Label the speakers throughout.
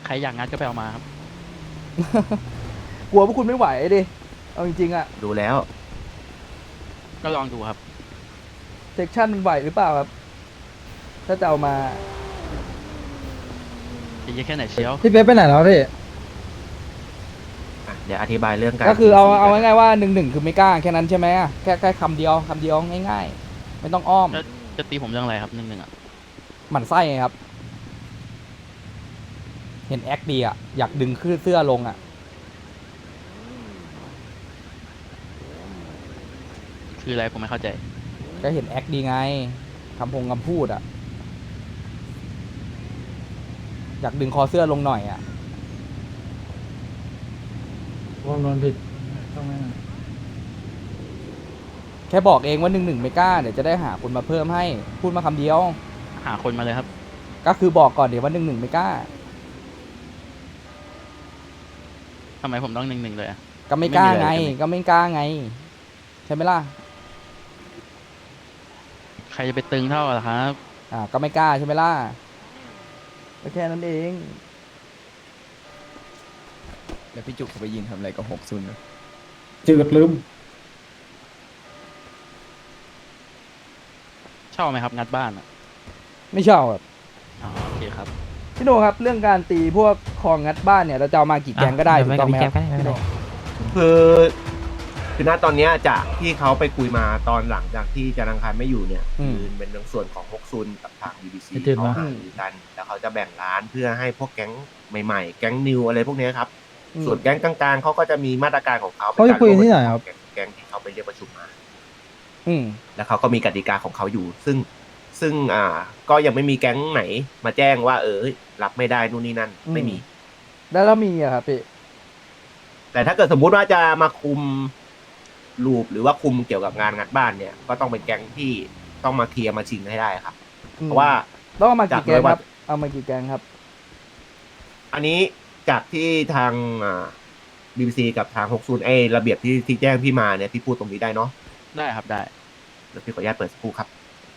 Speaker 1: ใครอยากงัดก็ไปเอามาครับ
Speaker 2: กลัวพวกคุณไม่ไหวดิเอาจริงๆอะ
Speaker 3: ดูแล้ว
Speaker 1: ก็ลองดูครับ
Speaker 2: เซ็กชันมันไหวหรือเปล่าครับ ถ้าจะเอามา
Speaker 1: จะเยอะแค่ไหนเชียว
Speaker 4: พี่เป๊ปไปไหนแล้วพี่
Speaker 3: เดี๋ยวอธิบายเรื่องการ
Speaker 2: ก็คือเอา
Speaker 3: TC
Speaker 2: เอา
Speaker 3: กัน
Speaker 2: ง่ายๆว่า1-1คือไม่กล้าแค่นั้นใช่ไหมอะแค่คำเดียวง่ายๆ ไม่ต้องอ้อม
Speaker 1: จะตีผมเรื่องอะไรครับ1-1อ่ะ
Speaker 2: หมั่นไส้ไงครับ เห็นแอคดีอะอยากดึงขึ้นเสื้อลงอะ
Speaker 1: คืออะไรผมไม่เข้าใจ
Speaker 2: ก็เห็นแอคดีไงคำพูดอะอยากดึงคอเสื้อลงหน่อยอะ
Speaker 4: วงนวนผิดต้องไม่
Speaker 2: แค่บอกเองว่า1-1ไม่กล้าเดี๋ยวจะได้หาคนมาเพิ่มให้ พูดมาคำเดียว
Speaker 1: หาคนมาเลยครับ
Speaker 2: ก็คือบอกก่อนเดี๋ยวว่า1-1ไม่กล้า
Speaker 1: ทำไมผมต้อง1-1เลยอะ
Speaker 2: ก็ไม่กล้าไง
Speaker 1: ไม่มีอะไรใช่ไหม
Speaker 2: ก็ไม่กล้าไง ใช่ไหมล่ะ
Speaker 1: ใครจะไปตึงเท่าล่ะครับ
Speaker 2: ก็ไม่กล้าใช่ไหมล่ะก็แค่นั้นเอง
Speaker 5: แล้วพี่จุกเขาไปยิงทำอะไรกับ60นะ
Speaker 4: จืดลืม
Speaker 1: ชอบไหมครับงัดบ้านอะ
Speaker 2: ไม่ชอบแบบ
Speaker 1: อ๋อโอเคครับ
Speaker 2: พี่โนครับเรื่องการตีพวกคลองงัดบ้านเนี่ยเราจะเอามากี่แกงก็ได้ถูกต้องไหมครับพี่โน
Speaker 3: คือคือณตอนเนี้ยจากที่เขาไปคุยมาตอนหลังจากที่จันทร์อังคารไม่อยู่เนี่ยคือเป็นในส่วนของฮกซุนกับทาง BBC
Speaker 4: ไม่ตื่น
Speaker 3: เขา
Speaker 4: วะ
Speaker 3: หารือกัน แล้วเขาจะแบ่งร้านเพื่อให้พวกแก๊งใหม่ๆ แก๊งนิวอะไรพวกเนี้ยครับ ส่วนแก๊งกลางๆเขาก็จะมีมาตรการของเขา
Speaker 4: เขาจะคุยที่ไหนครับ
Speaker 3: แก๊งที่เขาไปเรียกประชุมมา
Speaker 2: อืม
Speaker 3: แล้วเขาก็มีกติกาของเขาอยู่ ซึ่งก็ยังไม่มีแก๊งไหนมาแจ้งว่ารับไม่ได้นู่นนี่นั่นไม่มี
Speaker 2: แล้วเรามีอะครับพี่
Speaker 3: แต่ถ้าเกิดสมมุติว่าจะมาคุมลูปหรือว่าคุมเกี่ยวกับงานงัดบ้านเนี่ย ก็ต้องเป็นแก๊งที่ต้องมาเคลียร์มาชิงให้ได้ครับ เพราะว่า
Speaker 2: ต้องเอามากี่แกง
Speaker 3: จาก
Speaker 2: ครับ เอามากี่แกงครับ
Speaker 3: อันนี้จากที่ทางBBC กับทาง60ระเบียบที่แจ้งพี่มาเนี่ยพี่พูดตรงนี้ได้เนาะ
Speaker 1: ได้ครับได้
Speaker 3: เดี๋ยวพี่ขออนุญาตเปิดสักครู่ครับ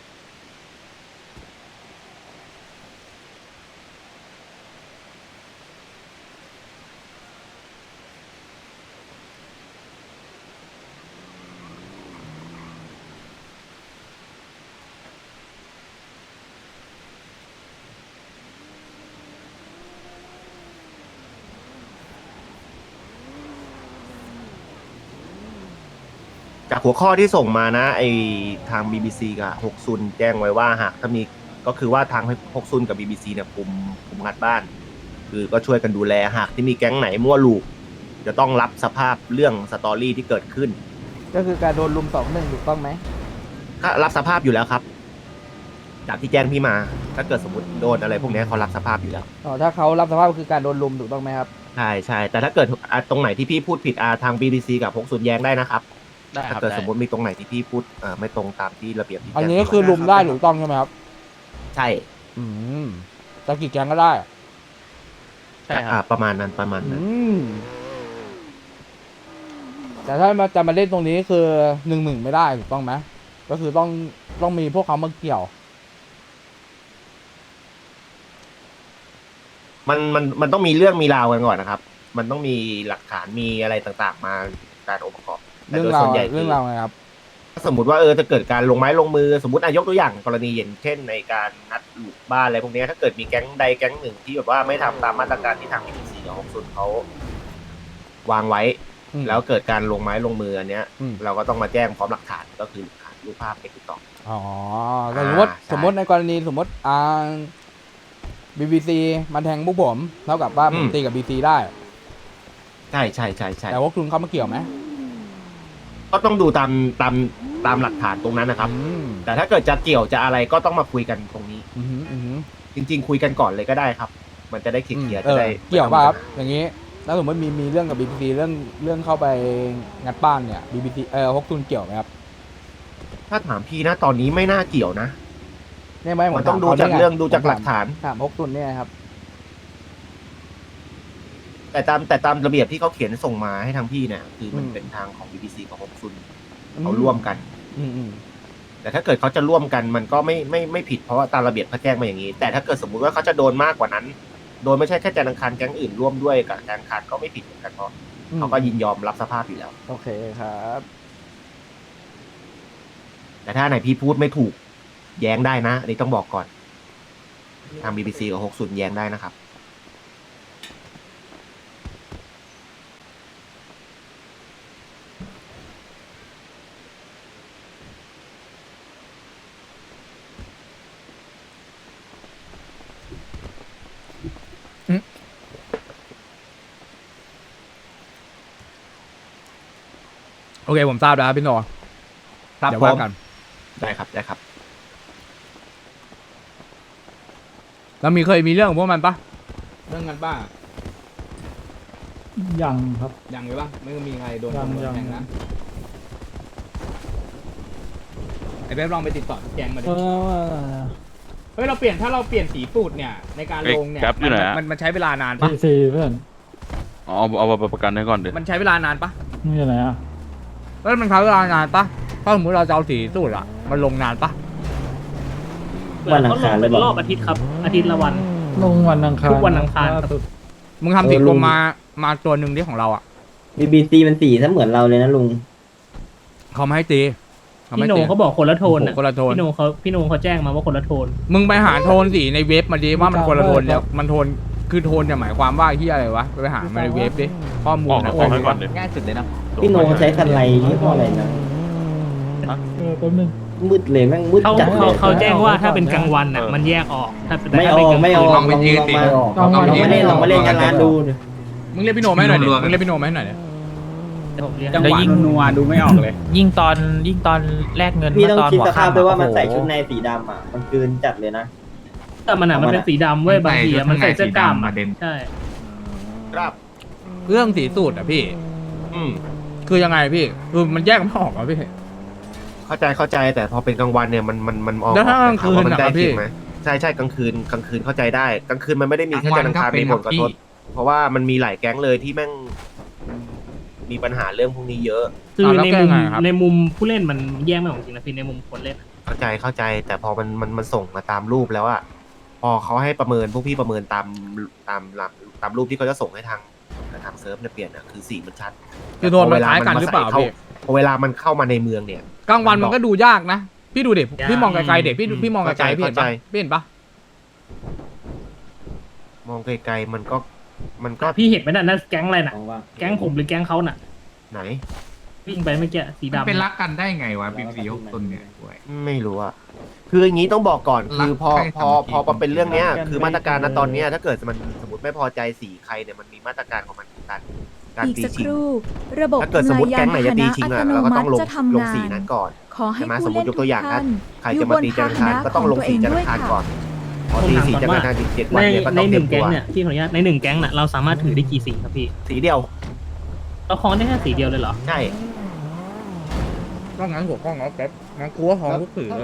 Speaker 3: จากหัวข้อที่ส่งมานะไอทาง BBC กับ60แจ้งไว้ว่าหากถ้ามีก็คือว่าทาง60กับ BBC เนี่ยคุมงัดบ้าน คือก็ช่วยกันดูแลหากที่มีแก๊งไหนมั่วลูกจะต้องรับสภาพเรื่องสตอรี่ที่เกิดขึ้น
Speaker 2: ก็คือการโดนลุม2-1ถูกต้องไหม
Speaker 3: ก็รับสภาพอยู่แล้วครับ จากที่แจ้งพี่มา ถ้าเกิดสมมติโดนอะไรพวกเนี้ยเขารับสภาพอยู่แล้ว
Speaker 2: อ๋อถ้าเขารับสภาพก็คือการโดนลุมถูกต้องไหมครับ
Speaker 3: ใช่ใช่แต่ถ้าเกิดตรงไหนที่พี่พูดผิดทาง BBC กับ60แย้งได้นะครับ
Speaker 1: ได้ค
Speaker 3: ถ้า
Speaker 1: รับ
Speaker 3: เกิด
Speaker 1: ได้
Speaker 3: สมมติมีตรงไหนที่พี่พูดไม่ตรงตามที่ระเบียบที่
Speaker 2: อัน
Speaker 3: แจ้ง
Speaker 2: นี้
Speaker 3: พี่
Speaker 2: คือ
Speaker 3: มา
Speaker 2: ลุมได้ถูกต้องใช่ไหมครับ
Speaker 3: ใช่
Speaker 2: อืมจะกี่แกงก็ได้
Speaker 1: ใช่ครับ
Speaker 3: ประมาณนั้นประมาณ
Speaker 2: อื
Speaker 3: นั้น
Speaker 2: ม แต่ถ้าจะมาเล่นตรงนี้คือ1-1ไม่ได้ถูกต้องไหมก็คือต้องมีพวกเขามาเกี่ยว
Speaker 3: มันต้องมีเรื่องมีราวกันก่อนนะครับ มันต้องมีหลักฐานมีอะไรต่างๆ มาการองค์ประกอบแต่
Speaker 2: เรื่อง
Speaker 3: โดย
Speaker 2: รา
Speaker 3: ส่
Speaker 2: ว
Speaker 3: วนใหญ่
Speaker 2: เรื่องราวไงครับ
Speaker 3: ถ้าสมมติว่าจะเกิดการลงไม้ลงมือสมมติยกตัวอย่างกรณีอย่างเช่นในการนัดลูกบ้านอะไรพวกเนี้ยถ้าเกิดมีแก๊งใดแก๊งหนึ่งที่แบบว่าไม่ทำตามมาตรการที่ทาง BBC กับ60เขาวางไว้
Speaker 2: อืม
Speaker 3: แล้วเกิดการลงไม้ลงมืออันเนี้ย
Speaker 2: อืม
Speaker 3: เราก็ต้องมาแจ้งพร้อมหลักฐานก็คือหลักฐานรูปภาพในติ๊กต็อก
Speaker 2: อ๋อแต่สมมติ
Speaker 3: ใช่
Speaker 2: สมมติในกรณีสมมติBBC มันแทงพวกผมเท่ากับว่าผมตีกับ BBC ได้
Speaker 3: ใช่ใช่ใช่ใช่
Speaker 2: แต่ว่าคุณเขามาเกี่ยวไหม
Speaker 3: ก็ต้องดูตามหลักฐานตรงนั้นนะครับ
Speaker 2: อืม
Speaker 3: แต่ถ้าเกิดจะเกี่ยวจะอะไรก็ต้องมาคุยกันตรงนี้
Speaker 2: อืมอืม
Speaker 3: จริง ๆ คุยกันก่อนเลยก็ได้ครับ มันจะได้เคลียร์ๆจะได้
Speaker 2: เกี่ยวป่ะครับอย่างนี้แล้วสมมติมีเรื่องกับ BBC เรื่องเข้าไปงัดบ้านเนี่ย BBC ฮกซุนเกี่ยวไหมครับ
Speaker 3: ถ้าถามพี่นะตอนนี้ไม่น่าเกี่ยวนะ
Speaker 2: เนี่ยไหม
Speaker 3: มันต้องดูจากเรื่องดูจากหลักฐาน
Speaker 2: ถามฮกซุนเนี่ยครับ
Speaker 3: แต่ตามระเบียบที่เขาเขียนส่งมาให้ทางพี่เนี่ยคือมันเป็นทางของ BBC กับ60เขาร่วมกัน
Speaker 2: อืม
Speaker 3: แต่ถ้าเกิดเขาจะร่วมกันมันก็ไม่ผิดเพราะว่าตามระเบียบเขาแจ้งมาอย่างนี้ แต่ถ้าเกิดสมมุติว่าเขาจะโดนมากกว่านั้นโดยไม่ใช่แค่จันทร์อังคารแก๊งอื่นร่วมด้วยกับจันทร์อังคารก็ไม่ผิดเหมือนกันเพราะเขาก็ยินยอมรับสภาพอยู่แล้ว
Speaker 2: โอเคครับ
Speaker 3: แต่ถ้าไหนพี่พูดไม่ถูกแย้งได้นะอันนี้ต้องบอกก่อนทาง BBC กับ60แย้งได้นะครับ
Speaker 2: โอเคผมทราบแล้วครับพี่โน
Speaker 3: ครับ
Speaker 2: เดี๋ยวว่า
Speaker 3: ผม
Speaker 2: กัน
Speaker 3: ได้ครับได้ครับ
Speaker 2: แล้วเคยมีเรื่องของพวกมันปะเรื่องกันบ้าง
Speaker 4: ยังครับ
Speaker 2: ยังเลยปะไม่มีใครโดน
Speaker 4: ยัง
Speaker 2: ตำรวจ
Speaker 4: ยัง
Speaker 2: แทงนะไอ้เบ๊บลองไปติดต่อแกงมาดิ เฮ้ยถ้าเราเปลี่ยนสีสูตรเนี่ยในการลงเนี่ย
Speaker 1: แก๊ปอยู่ไหนอะ
Speaker 2: มันใช้เวลานานปะ
Speaker 4: สี่เพื่อน
Speaker 1: อ๋อเอาประกันให้ก่อนเดี๋ยว
Speaker 2: มันใช้เวลานานปะ
Speaker 4: นี่อยู่ไหนอ่ะ
Speaker 2: แล้วมันใช้เวลานานปะถ้าสมมติเราจะเอาสีสูตรอะมันลงนานปะ
Speaker 6: วันอังคารเลยบอก
Speaker 7: รอบอาทิตย์ครับ อาทิตย์ละวัน
Speaker 4: ลงวันอังคาร
Speaker 7: ทุกวันอังคารครับ
Speaker 4: ล่สุด
Speaker 2: มึงทำสีกลมมาตัวหนึ่งที่ของเราอะ
Speaker 6: BBC มันสีซะเหมือนเราเลยนะลุง
Speaker 2: เขาไม่ให้ตีเขาไม่
Speaker 7: พี่โหน
Speaker 2: ตี
Speaker 7: งเขาบอกคนละโทน
Speaker 2: โอ้
Speaker 7: น่ะ
Speaker 2: โหคนละโทน
Speaker 7: พี่โหนงเขาแจ้งมาว่าคนละโทน
Speaker 2: มึงไปหาโทนสีในเว็บมาดิว่ามันคนละโทนแล้วมันโทนคือโทนเนี่ยหมายความว่าที่อะไรวะไปหามาในเว็บดิข้อมูล
Speaker 1: ออก
Speaker 2: นะ
Speaker 1: ให้ก่อนเดี๋ยว
Speaker 5: ง่ายสุดเลยนะ
Speaker 6: พี่โนใช้คันไรยี่ห้ออะไรนะ
Speaker 4: แป๊บนึง
Speaker 6: มืดเลยแม่งมืด
Speaker 7: เขา
Speaker 6: จัดเลย
Speaker 7: เขาแจ้งว่าถ้าเป็นกลางวันน่ะมันแยกออกถ้าเป็น
Speaker 6: ไม่
Speaker 7: ถ้า
Speaker 6: อ
Speaker 7: เป็น
Speaker 6: อก
Speaker 7: กลาง
Speaker 6: ไม่อ
Speaker 7: คื
Speaker 6: อก
Speaker 7: น
Speaker 6: ลองมาเล่นกันร้านดู
Speaker 2: มึงเรียกพี่โนมาให้หน่อยดิมึงเรียกพี่โนมาให้หน่อยดิ
Speaker 7: ผมเรียก
Speaker 8: จังหวะนัวดูไม่ออกเลย ยิ่งตอนแลกเงิน
Speaker 6: พี่ต้อง
Speaker 8: ตอน
Speaker 6: คิด
Speaker 8: หัว
Speaker 6: สภาพ
Speaker 8: ค่ำ
Speaker 6: ด้วยว่ามัน
Speaker 8: โอ้โห
Speaker 6: ใส่ชุดในสีดำอ่ะมันคืนจัดเลยนะ
Speaker 7: แต่มันเป็นสีดำเว้ยบางทีอะมันใส่เสื้อกล้ามอะใช่
Speaker 3: ครับ
Speaker 2: เรื่องสีสูตรอะพี่
Speaker 3: อืม
Speaker 2: คือยังไงพี่คือมันแยกไม่ออกอะพี่
Speaker 3: เข้าใจแต่พอเป็นกลางวันเนี่ยมันมอง
Speaker 2: แล้วถ้ากลางคืน
Speaker 3: ว่ามั
Speaker 2: อะ
Speaker 3: ได้
Speaker 2: พี่
Speaker 3: จริงไหมใช่กลางคืนเข้าใจได้กลางคืนมันไม่ได้มีแค่จันทร์อังคารมีผลกระทบเพราะว่ามันมีหลายแก๊งเลยที่แม่งมีปัญหาเรื่องพวกนี้เยอะ
Speaker 7: คือ
Speaker 2: แล้ว
Speaker 7: ใน
Speaker 2: แก้
Speaker 7: มุม
Speaker 2: ไงครับ
Speaker 7: ในมุมผู้เล่นมันแยกไม่ออกจริงนะพี่ในมุมคนเล่นอะ
Speaker 3: เข้าใจแต่พอมันส่งมาตามรูปแล้วอะพอเขาให้ประเมินพวกพี่ประเมินตามรูปที่เขาจะส่งให้ทางเซิร์ฟเนี่ยเปลี่ยนอะคือสีมันชัด
Speaker 2: คือโดนมันคล้ายกันหรือเปล่าพี่
Speaker 3: พอเวลามันเข้ามาในเมืองเนี่ย
Speaker 2: กลางวันมันก็ดูยากนะพี่ดูเด็พี่มองไกลๆเด็พี่มองไกลๆพี่เห็นปะ
Speaker 3: เข้าใจ
Speaker 2: พี่เห็นปะ
Speaker 3: มองไกลๆมันก็
Speaker 7: พี่เห็นไหมน่ะนั่นแก๊งอะไรน่ะแก๊งผมหรือแก๊งเขาน่ะ
Speaker 3: ไหน
Speaker 7: วิ่งไปเมื่อกี้สีดำ
Speaker 8: เป็นรักกันได้ไงวะบีซี6ตุนเนี่ยด้วย
Speaker 3: ไม่รู้อะคืออย่างนี้ต้องบอกก่อนคือพอ
Speaker 8: รักใคร
Speaker 3: พอ
Speaker 8: สามัคคี
Speaker 3: มาเป็นเรื่องเนี้ยคือมาตรการณตอนเนี้ยถ้าเกิดมันสมมติไม่พอใจสีใครเนี่ยมันมีมาตรการของมันคือการ
Speaker 9: อีก
Speaker 3: ตี
Speaker 9: สัก
Speaker 3: ชิ
Speaker 9: ค
Speaker 3: ง
Speaker 9: รู่ระบบ
Speaker 3: ถ้าเกิดสมมติแก๊งไหนจะตีชิง
Speaker 9: อั
Speaker 3: อะ
Speaker 9: ตโน
Speaker 3: เราก็
Speaker 9: มั
Speaker 3: ต้อง
Speaker 9: ติ
Speaker 3: ลง
Speaker 9: จะทำ
Speaker 3: ลง
Speaker 9: งา
Speaker 3: สี
Speaker 9: น
Speaker 3: นั้นก่อน
Speaker 9: ขอให้
Speaker 3: ใช่ไหม
Speaker 9: ผู้
Speaker 3: สมม
Speaker 9: เล่
Speaker 3: ติ
Speaker 9: น
Speaker 3: ย
Speaker 9: ทุ
Speaker 3: ก
Speaker 9: ก
Speaker 3: ตัวอย่าง
Speaker 9: ท่า
Speaker 3: นะ
Speaker 9: น
Speaker 3: ใครจะมาตีจันทร์อังคารก็ต้องลงสีจันทร์อังคารก่อนพอตีสีจันทร์อังคารอีก7 วันเนี่ยก็
Speaker 7: ใน
Speaker 3: ต้อง
Speaker 7: ห
Speaker 3: เตรี
Speaker 7: นึ่
Speaker 3: ย
Speaker 7: ง
Speaker 3: ม
Speaker 7: แก๊
Speaker 3: ตั
Speaker 7: ง
Speaker 3: ว
Speaker 7: เนี่ยที่ขออนุญาตในหนึ่งแก๊งน่ะเราสามารถถือได้กี่สีครับพี่
Speaker 3: สีเดียว
Speaker 7: เราคล้องได้แค่สีเดียวเลยเหรอ
Speaker 3: ใช่
Speaker 2: ก็งั้นหัวข้องเอาแป๊บงั้นกูว่าของทุกสื่อเลย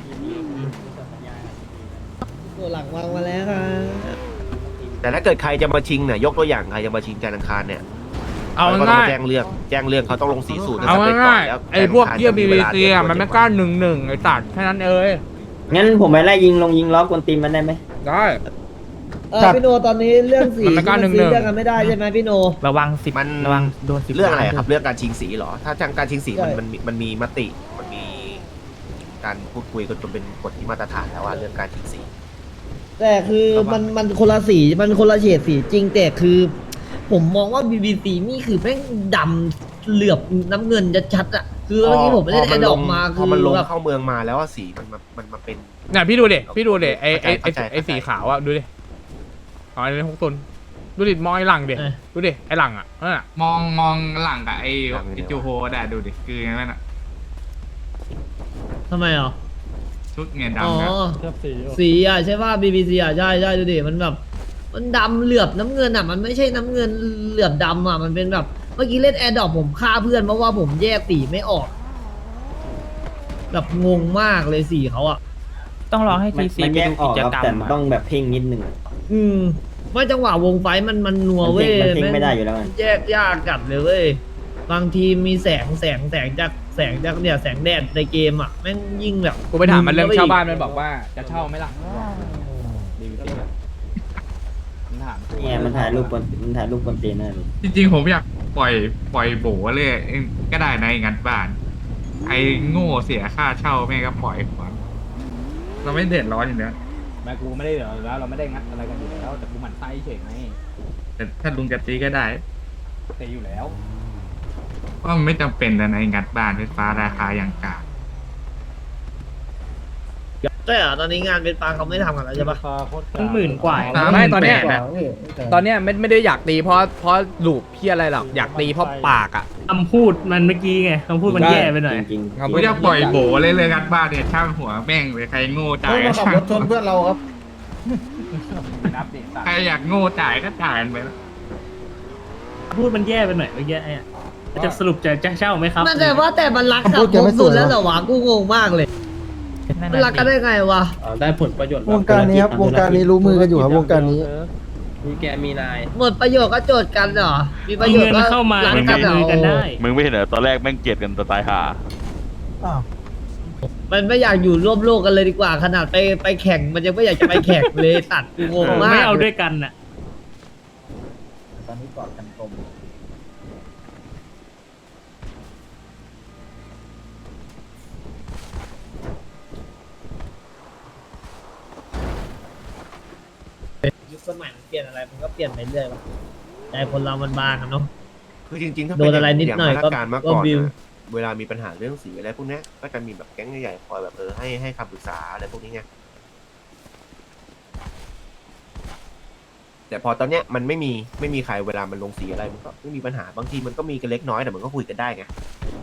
Speaker 6: ตัวหลังวางมาแล้วครับ
Speaker 3: แต่ถ้าเกิดใครจะมาชิงเนี่ยยกตัวอย่างใครจะมาชิงจันทร์อังคารเนี่ย
Speaker 2: เอา
Speaker 3: ก็ต้อง
Speaker 2: ง่าย
Speaker 3: แจ้งเรื่องเขาต้องลงสีสูตร
Speaker 2: เอา
Speaker 3: สำเร็จก่
Speaker 2: ง่า
Speaker 3: อย นแล้ว
Speaker 2: ไอ้พวกเยี่ย
Speaker 3: จั
Speaker 2: บี
Speaker 3: นท
Speaker 2: บี
Speaker 3: ร์อังคาร
Speaker 2: ซีอะมันไม่กล้า1-1ไอ้ตัดแค่นั้นเอ้ย
Speaker 6: งั้นผมไปไล่ยิงล้อกวนตีนมันได้ไหม
Speaker 2: ได้
Speaker 6: พี่โนตอนนี้เรื่องสี
Speaker 2: มันไม่กล้า
Speaker 6: ซื้
Speaker 2: 1-1
Speaker 6: อเรื่องกันไม่ได้ใช่ไหมพี่โน
Speaker 8: ระวังระวังโดน10
Speaker 3: เรื่องอะไร
Speaker 8: ล้าน
Speaker 3: ครับเรื่องการชิงสีเหรอถ้าทางการชิงสี
Speaker 6: ใช่
Speaker 3: มันมีมติมันมีการพูดคุยกันจนเป็นกฎที่มาตรฐานแล้วว่าเรื่องการชิงสี
Speaker 6: แต่คือมันคนละสีมันคนละเฉดสีจริงแต่คือ ผมมองว่า BBC นี่คือแม่งดำเหลือบน้ำเงินชัดๆอ่ะคือเมื่อกี้ผมไม่ได้ไอ้ดอกมา
Speaker 3: พ
Speaker 6: คือ อ
Speaker 3: มันลง
Speaker 6: แบบ
Speaker 3: เข้าเมืองมาแล้วว่าสีมันมาเป็น
Speaker 2: เนี่ยพี่ดูเด็ไอ้
Speaker 3: เข้าใจ
Speaker 2: ไอ้สีขาวอะดูดิอ๋อไอ้6ตุนดูดิมองไอ้หลังเด็ดูดิไอ้หลังอะนั่นอะ
Speaker 8: มองหลังกับไอ้จูโฮได้ดูดิคืออย่างนั้นอ่ะ
Speaker 7: ทำไมอ่ะ
Speaker 8: ชุดเงิน
Speaker 6: อ๋อ
Speaker 8: ดำกัน
Speaker 4: เทียบสีอยู่
Speaker 6: สีอ่ะใช่ป่ะ BBC อ่ะใช่ดูดิมันแบบมันดำเหลือบน้ำเงินอ่ะมันไม่ใช่น้ำเงินเหลือบดำอ่ะมันเป็นแบบเมื่อกี้เล่นแอร์ดรอปผมฆ่าเพื่อนเพราะว่าผมแยกสีไม่ออกแบบงงมากเลยสีเขาอ่ะ
Speaker 8: ต้องรอให้ทีซีไปดูกิจกรรม
Speaker 6: แต่ต้องแบบเพ่งนิดนึงไม่จังหวะวงไฟมันนัวเว้ย
Speaker 5: มันเพ่งไม่ได้อยู่แล้ว
Speaker 6: แยกยากจัดเลยเว้ยบางทีมีแสงจากเนี่ยแสงแดดในเกมอ่ะแม่งยิ่งแบบ
Speaker 2: กูไปถามมันเรื่องเช่าบ้านมันบอกว่าจะเช่าไหมล่ะบีบีซีมันถาม
Speaker 9: เนี่ยมันถ่ายรูปบนตีนนั่น
Speaker 8: จริงๆผมอยากปล่อยโบเลยก็ได้นะงัดบ้าน ไอ้โง่เสียค่าเช่าแม่งก็ปล่อยหัวเราไม่เดือดร้อนอยู่แล้ว
Speaker 2: แม่กูไม่ได้เหรอแล้วเราไม่ได้งัดอะไรกันอยู่แล้วแต่กูหมั่นไส้เฉยไง
Speaker 8: แต่ถ้าลุงจะตีก็ได้
Speaker 2: เตะอยู่แล้ว
Speaker 8: เพราะมันไม่จำเป็นนะในงัดบ้านไฟฟ้าราคาอย่างกลาง
Speaker 6: ใช่เหรอตอนนี้งานเป็นปลาเขาไม่ทำกันแล้วใช่ปะ
Speaker 7: มันหมื่นกว่า
Speaker 2: ไม่ตอนเนี้ย
Speaker 8: 38,000ะ
Speaker 2: ตอนเนี้ยไม่ได้อยากตีเพราะลูปพี่อะไรหรอกอยากตีเพราะปากอ่ะ
Speaker 7: คำพูดมันเมื่อกี้ไงคำพูดมันแย่ไปหน่อย
Speaker 9: จริง
Speaker 8: กูจะปล่อยโบเลยงัดบ้านเนี่ยช่างหัวแม่งเลยใครโง่จ่ายก็ช่างใครอยากโง่จ่ายก็จ่ายกันไปแล้ว
Speaker 7: พูดมันแย่ไปหน่อยเมื่อกี้ไอ้จะสรุปจะเช่าไหมครับ
Speaker 6: มันแต่ว่าแต่มันรักกับพวกสุดแล้วเหรอวะกูงงมากเลยมันรักกันได้ไงวะ
Speaker 4: ได้ผลประโยชน์
Speaker 9: วงการนี้ครับวงการนี้รู้มือกันอยู่ครับวงการนี้
Speaker 4: มีแกมีนาย
Speaker 6: หมดประโยชน์ก็โจทย์กันเหรอมีประโยชน์
Speaker 7: เงิ
Speaker 6: ก็
Speaker 7: นเข้ามา
Speaker 6: รัก
Speaker 7: มัน
Speaker 6: กันเหร
Speaker 7: มือกัน
Speaker 6: อ
Speaker 7: ได้
Speaker 1: มึงไม่เห็นเหรอตอนแรกแม่งเกลียดกันจะตายห่า
Speaker 6: มันไม่อยากอยู่ร่วมโลกกันเลยดีกว่า ขนาดไปแข่งมันยังไม่อยากจะไปแข่งเลยตัดกูงงมาก
Speaker 7: ไม่เอาด้วยกันน่ะ
Speaker 9: ตอนนี้กอดกันกลม
Speaker 6: ยุคสมัยมันเปลี่ยนอะไรมันก็เปลี่ยนไปเรื่อยว่ะใจคนเรามันบางอะเนาะ
Speaker 3: คือจริงๆถ้า
Speaker 6: โดนอะไรนิดหน่อย
Speaker 3: างมาตรการเมื่อก่อน
Speaker 6: ก็บิว
Speaker 3: นะเวลามีปัญหาเรื่องสีอะไรพวกเนี้ยก็จะมีแบบแก๊งใหญ่ๆคอยแบบให้คำปรึกษาอะไรพวกนี้ไงแต่พอตอนเนี้ยมันไม่มีใครเวลามันลงสีอะไรมันก็ไม่มีปัญหาบางทีมันก็มีกันเล็กน้อยแต่มันก็คุยกันได้ไง